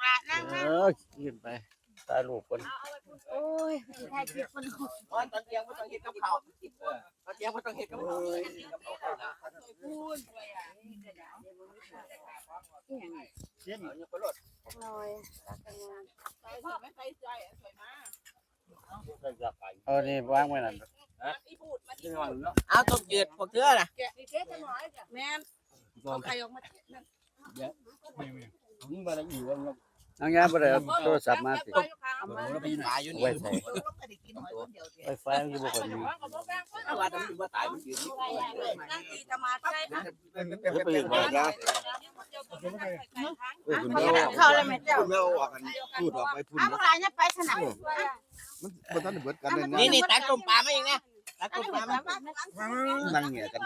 ละนั่งขึ้นไปถ่ายรูปกันโอ้ยถ่ายคลิปมันตอนเที่ยงไม่ต้องเห็ดกับเขาตอนเที่ยงไม่ต้องเห็ดกับเขาพูดไปอ่ะเช่นเอาเนี่ยไปรถลอยรักกันงานพ่อไม่ใส่ใจสวยมากเอานี่วางไว้นั่นเอาต้มจืดพวกเธอน่ะแม่ใครออกมาน้องยาบ่ได้เอาโทรศัพท์มาสิเราไปตายอยู่นี่ไว้ใส่ไฟฟ้าอยู่บ่ค่อยมีว่าต้องอยู่ว่าตายมันยืนนั่งตีจะมาใช่ไหมไปอยู่บ่ได้เข้าเลยแม่เจ้าคุณแม่ออกกันพูดออกไปพูดเอาพวกเราเนี่ยไปสนามมันบ่ทันเบิดกันเลยนะนี่ตักต้มปลามาเองนะตักต้มปลามานั่งเงียกัน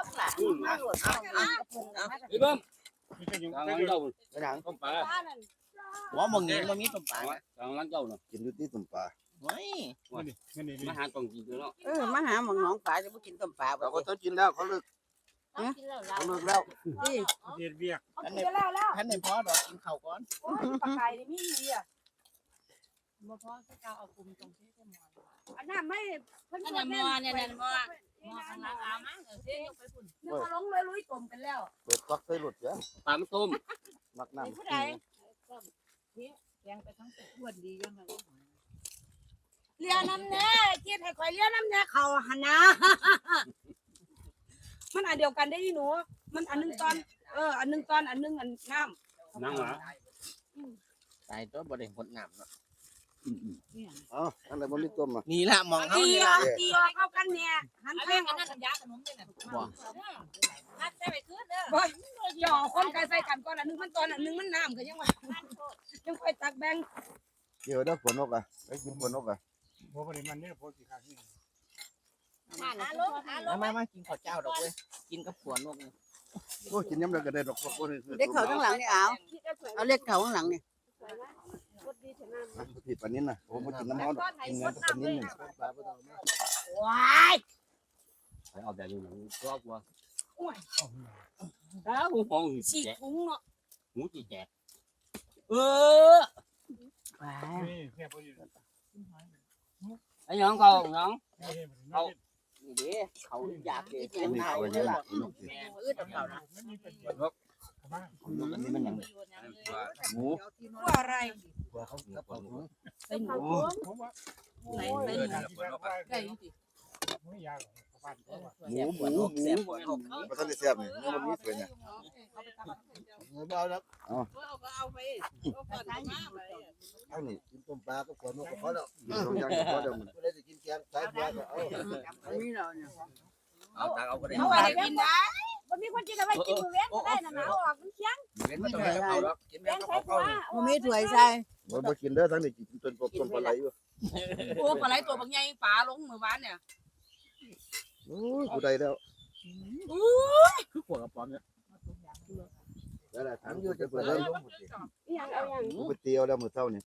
พี่เบิ้มทางเจ้าไปหนังต้มปลาหัวมองเงี้ยมันมีต้มปลาทางร้านเจ้าน่ะกินอยู่ที่ตุ่มปลาเฮ้ยมาหาต้องกินเนาะมาหาหมองน้องปลาจะไปกินต้มปลาเราก็ต้องกินแล้วเขาเลิกเขาเลิกแล้วที่เฮ็ดเวียกท่านในพ่อดอกกินข้าวก่อนปลาไก่นี่มีอ่ะบ่พอจะเอาคุมตรงที่จะมออันนั้นไม่เพิ่นมอเนี่ยมอข้างหลังอามาเสียยกไปพุ่นนึกว่าลงเลยลุยต้มกันแล้วเปิดฟักใส่รถเสียปลามันต้มมักน้ำผู้ใดแกงไปทั้งตัวดียังไงเลี้ยน้ำแน่คิดให้ข่อยเลี้ยน้ำแน่เขาหันนะมันอันเดียวกันได้ที่หนูมันอันนึงตอนอันนึงตอนอันนึงอันน้ำนั่งหรอตายตัวบ่ได้หดน้ำเนาะอ๋ออันไหนบ่มีต้มอ่ะนี่ละมองเขาตีนี่อละอกตีออกเข้ากันเนี่ยหันแป้งอันนั้นยาขนมเนี่ยบ่นัดได้ไปคืนเด้อจ่อคนไกลใส่กันก่อนอันนึงมันตอนอันนึงมันน้ำก็ยังว่ายังค่อยตักแบ่งเดี๋ยวได้ฝนนกอ่ะไปกินฝนนกอ่ะบ่บ่ได้มันเนี่ยโพสิขาดนี่มากินข้าวเจ้าดอกเว้ยกินกับขวานกนี่โอ้กินยำแล้วก็ได้ดอกบ่ได้เล็กเขาข้างหลังนี่เอาเล็กเขาข้างหลังนี่ผิดปานนี้น่ะผมบ่กินน้ำมันดอกกินเงินปานนี้นึงว้ายเอาแต่อยู่ก็กลัวแล้วหูฟองฉีกถุงเนาะหูจีแจกว้านี่แค่บ่อยู่ไอ้น้องเขาน้องเอานี่เด้เขาอยากเกินนี่ข้าวเอาเลยเยอะล่ะนกสิเขานะมันมีประโยชน์นกอันนี้มันหยังหมูว่าอะไรตัวเขากับเขาหมูเป็นหมูผมว่าไหนเป็นไก่ไม่ยากหรอกบ้านเขาว่าหมูบ่ทันได้แซ่บนี่มันบ่มีสวยเนี่ยบ่เอาแล้วเอาไปเอานี่กินต้มปลากับฝนนกก็พอแล้วกินสองอย่างก็พอแล้วมันบ่ได้สิกินแกงสายบัวก็เอาอันนี้เราเนี่ยเอาตาเอาก็ได้เอาอะไรกินได้วันนี้คนกินอะไรกินมือเว้นก็ได้นะหนาวออกมันเคี้ยงเว้นไม่ต้องให้เขาหรอกกินแป้แม่งก็ใส่เขาหัวมันมีถ้วยใส่บ่กินเด้อทั้งนี้กินต้นกบต้นปลาไหลอยู่โอ้ปลาไหลตัวบางใหญ่ปลาลงมือวานเนี่ยโอ้ยกูได้แล้วคือขวดกระป๋องเนี่ยได้แล้วถามอยู่จะเปิดแล้วอย่างเอาอย่างกูไปเตียวแล้วมื้อเช้านี่